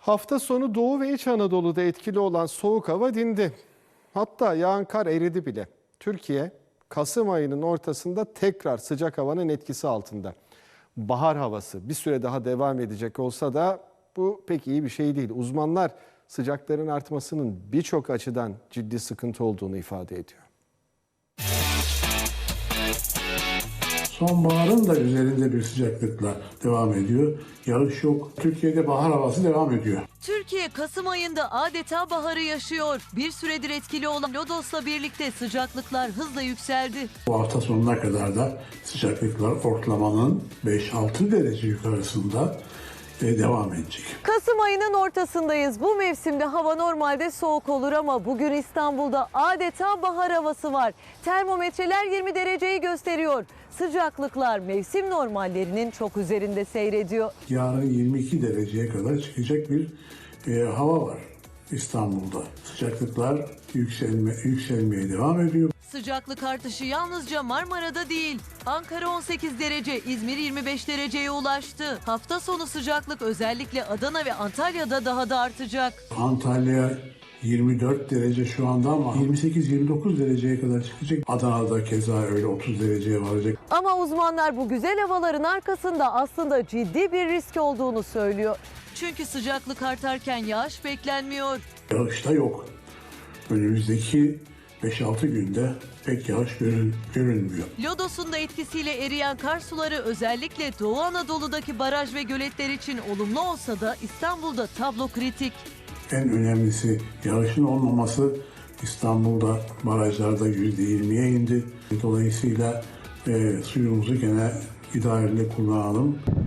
Hafta sonu Doğu ve İç Anadolu'da etkili olan soğuk hava dindi. Hatta yağan kar eridi bile. Türkiye, Kasım ayının ortasında tekrar sıcak havanın etkisi altında. Bahar havası bir süre daha devam edecek olsa da bu pek iyi bir şey değil. Uzmanlar sıcakların artmasının birçok açıdan ciddi sıkıntı olduğunu ifade ediyor. Sonbaharın da üzerinde bir sıcaklıkla devam ediyor. Yağış yok. Türkiye'de bahar havası devam ediyor. Türkiye Kasım ayında adeta baharı yaşıyor. Bir süredir etkili olan Lodos'la birlikte sıcaklıklar hızla yükseldi. Bu hafta sonuna kadar da sıcaklıklar ortalamanın 5-6 derece yukarısında devam edecek. Kasım ayının ortasındayız. Bu mevsimde hava normalde soğuk olur ama bugün İstanbul'da adeta bahar havası var. Termometreler 20 dereceyi gösteriyor. Sıcaklıklar mevsim normallerinin çok üzerinde seyrediyor. Yarın 22 dereceye kadar çıkacak bir hava var İstanbul'da. Sıcaklıklar yükselmeye devam ediyor. Sıcaklık artışı yalnızca Marmara'da değil. Ankara 18 derece, İzmir 25 dereceye ulaştı. Hafta sonu sıcaklık özellikle Adana ve Antalya'da daha da artacak. Antalya 24 derece şu anda ama 28-29 dereceye kadar çıkacak. Adana'da keza öyle 30 dereceye varacak. Ama uzmanlar bu güzel havaların arkasında aslında ciddi bir risk olduğunu söylüyor. Çünkü sıcaklık artarken yağış beklenmiyor. Yağış da yok. Önümüzdeki 5-6 günde pek yağış görünmüyor. Lodos'un da etkisiyle eriyen kar suları özellikle Doğu Anadolu'daki baraj ve göletler için olumlu olsa da İstanbul'da tablo kritik. En önemlisi yağışın olmaması. İstanbul'da barajlarda %20'ye indi. Dolayısıyla suyumuzu gene idareli kullanalım.